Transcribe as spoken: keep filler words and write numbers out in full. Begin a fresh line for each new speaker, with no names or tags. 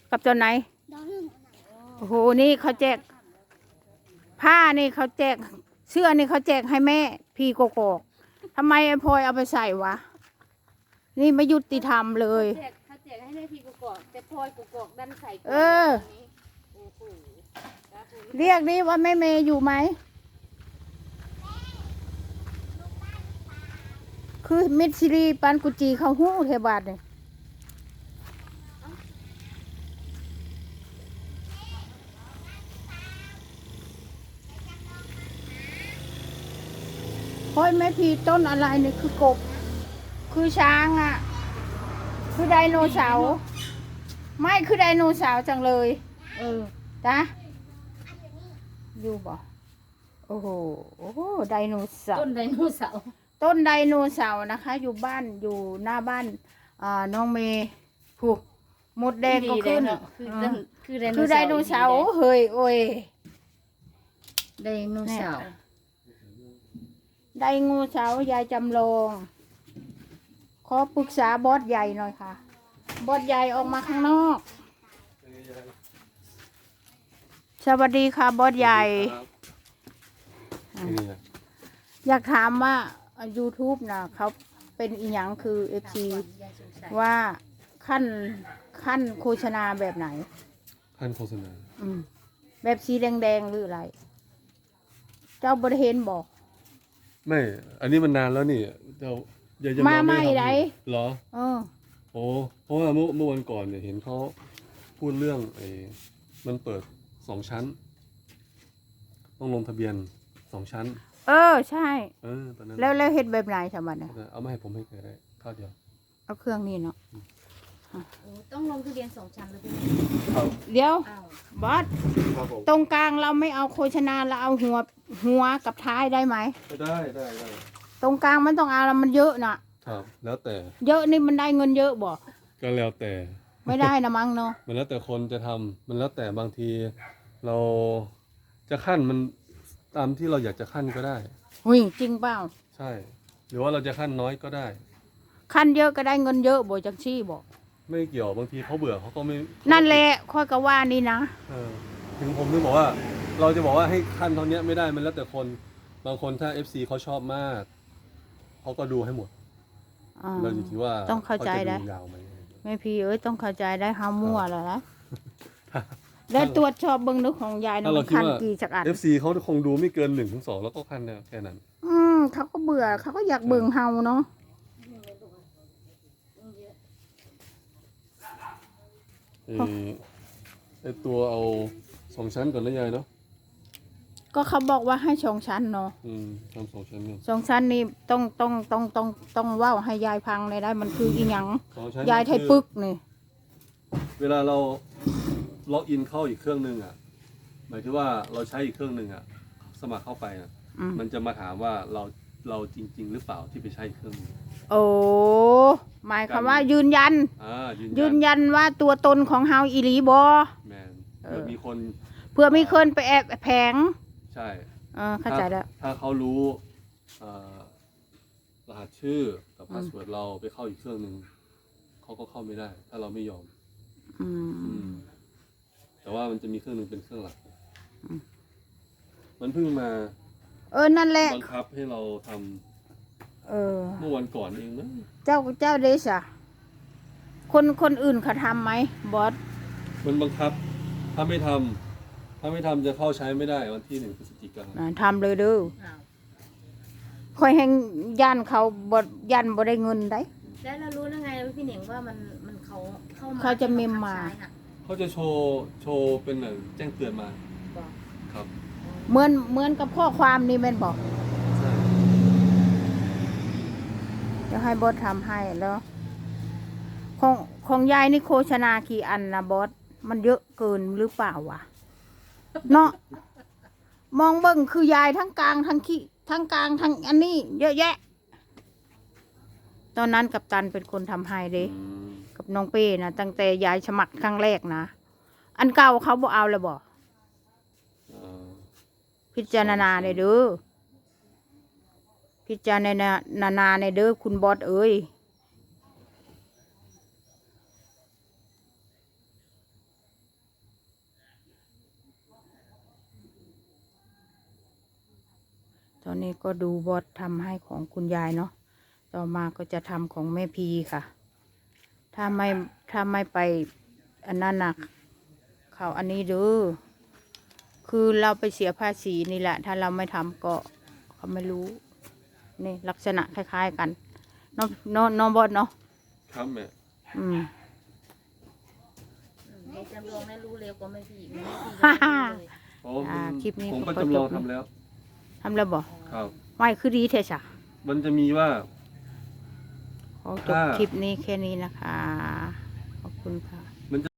กับตัวไหนโอ้โหนี่เขาแจกผ้านี่เขาแจกเสื้อนี่เขาแจกให้แม่พี่โกโก้ทำไมไอ้พลอยเอาไปใส่วะนี่ไม่ยุติธรรมเลย
เขาแจกให้แม่พี่โกโก้แต่พลอยโกโก้ดันใส่
เออเรียกนี่ว่าแม่เมย์อยู่ไหมคือมิดซิรีปันกุจีเขาหู้เทบาทเนี่ยพลอยแม่พี่ต้นอะไรเนี่ยคือกบคือช้างอ่ะคือไดโนเสาร์ไม่คือไดโนเสาร์จังเลยเออจ้ะอยู่บ่โอ้โหโอ้โหไดโนเสาร์
ต้นไดโนเสาร์
ต้นไดโนเสาร์นะคะอยู่บ้านอยู่หน้าบ้านอ่าน้องเมย์ผูกมดแดงก็ขึ้นคือไดโนเสาร์เฮ้ยโอ้ย
ไดโนเสาร์
ไดโนเสาร์ยายจำลองขอปรึกษาบอสใหญ่หน่อยค่ะบอสใหญ่ออกมาข้างนอกสวัสดีค่ะบอสใหญ่อยากถามว่า YouTube นะเขาเป็นอีหยังคือเอฟซีว่าขั้นขั้นโฆษณาแบบไหน
ขั้นโฆษณา
อืมแบบสีแดงๆหรืออะไรเจ้าบริเห็นบอก
ไม่อันนี้มันนานแล้วนี่เจ้าอย่าจะ
มาไม่ไร
เหรอ
เออ
โอ้เพราะว่าเมื่อเมื่อวันก่อนเนี่ยเห็นเขาพูดเรื่องไอ้มันเปิดสองชั้นต้องลงทะเบียนสองชั้น
เออใช่
เออตอนนั้น
แล้วแล้วเห็ดแบบไหนสมัยเนี่ย
เอามาให้ผมให้แกได้ข้าวเดียว
เอาเครื่องนี้เนาะ
ต้องลงทะเบียนสองชั้นเลย
เดี๋ยวบอสตรงกลางเราไม่เอาโฆษณาเราเอาหัวหัวกับท้ายได้ไหม
ได้ได้ได้
ตรงกลางมันต้องเอาแล้วมันเยอะน่ะ
ครับแล้วแต่
เยอะนี่มันได้เงินเยอะบ่
ก็แล้วแต่
ไม่ได้นะมั้งเนาะ
มันแล้วแต่คนจะทำมันแล้วแต่บางทีเราจะขั้นมันตามที่เราอยากจะขั้นก็ได้
หุ้ยจริงเปล่า
ใช่หรือว่าเราจะขั้นน้อยก็ได้
ขั้นเยอะก็ได้เงินเยอะบ่จังซี่บ่
ไม่เกี่ยวบางทีเขาเบื่อเขาก็ไม่
นั่นแหละค่อยก็ว่านี่นะ
เออถึงผมถึงบอกว่าเราจะบอกว่าให้ขั้นเท่านี้ไม่ได้มันแล้วแต่คนบางคนถ้า เอฟ ซี เขาชอบมากเขาก็ดูให้หมดเราอยู่ที่ว่า
ต้องเข้าใจได้แม่พี่เอ้ยต้องเข้าใจได้ห้ามั่วแล้วนะแล้วตรวจสอบเบิ้งดูของยายนะมันขั้นกี่จักอัน
เอฟ ซี เขาคงดูไม่เกินหนึ่งถึงสองแล้วก็ขั้นแค่นั้น
อืมเขาก็เบื่อเขาก็อยากเบิ่งเฮาเนาะ
ไอตัวเอาสองชั้นก่อนนะยายเนาะ
ก็เขาบอกว่าให้สองชั้นเนาะ
อืมทำสองชั้น
สองชั้นนี่ต้องต้องต้องต้องต้องว่าให้ยายพังเลยได้มันคืออีหยังยายไทยปึกนี่
เวลาเราล็อกอินเข้าอีกเครื่องนึงอ่ะหมายถึงว่าเราใช้อีกเครื่องนึงอ่ะสมัครเข้าไปอ่ะมันจะมาถามว่าเราเราจริงๆหรือเปล่าที่ไปใช้อีกเครื่องนึง
โอ้หมายความว่ายืนยันยืนยันว่าตัวตนของเฮาอีหลีบอ
แมนเผื่อมีคน
เพื่อมีคนไปแอบแผง
ใช่
เออเข้าใจแล้ว
ถ้าเขารู้รหัสชื่อกับพาสเวิร์ดเราไปเข้าอีกเครื่องนึงเขาก็เข้าไม่ได้ถ้าเราไม่ยอม
อืม
แต่ว่ามันจะมีเครื่องนึงเป็นเครื่องหลักมันเพิ่งมา
เออนั่นแหละ
บังคับให้เราทำ
เออ
เมื่อวันก่อนเองนะ
เจ้าเจ้าเดชอะคนคนอื่นเขาทำไหมบอส
มันบังคับถ้าไม่ทำถ้าไม่ทำจะเข้าใช้ไม่ได้วันที่หนึ่งพฤศจิกายน
ทำเลยดูคอยแห่งยันเขาบดยันบ่ได้เงินได้
แล้วเรารู้ได้ไงพี่เหน่งว่ามันมันเขาเข้ามา
เขาจะเมมมา
เขาจะโชว์โชว์เป็นแบบแจ้งเตือนมาครับ
เหมือนเหมือนกับข้อความนี่แม่นบอกจะให้บอสทำให้แล้วของของยายนี่โฆษณากี่อันนะบอสมันเยอะเกินหรือเปล่าวะเนาะมองเบิ่งคือยายทั้งกลางทั้งขี้ทั้งกลางทั้งอันนี้เยอะแยะตอนนั้นกัปตันเป็นคนทำให้เด้กับน้องเป้นะตั้งแต่ยายสมัครครั้งแรกนะอันเก่าเขาบอกเอาเลยบอกพิจารณาในเด้อพิจารณาในเด้อคุณบอสเอ้ยอนนี้ก็ดูบอสทำให้ของคุณยายเนาะต่อมาก็จะทำของแม่พีค่ะ ถ้าไม่ถ้าไม่ไปอันนั้นนะเขาอันนี้เด้อคือเราไปเสียภาษีนี่แหละ ถ้าเราไม่ทำก็เขาไม่รู้นี่ลักษณะคล้ายๆกันน้องน้องน้องบอสเนาะ
ครับแม่
อืม
ในจำลองนั้นรู้เร็วกว่าไม่พี่ไม่พี่
ฮ่าฮ่า
เลย
โอ้
อ่าคลิปนี้
ผม
ก็
ก็
ขอจบ
จำลองทำแล้ว
ทำแล้วบอก
ครับ
ไม่คือดีเทชะ
มันจะมีว่า
ขอจบ
ถ้า
คลิปนี้แค่นี้นะคะ ขอบคุณค่ะ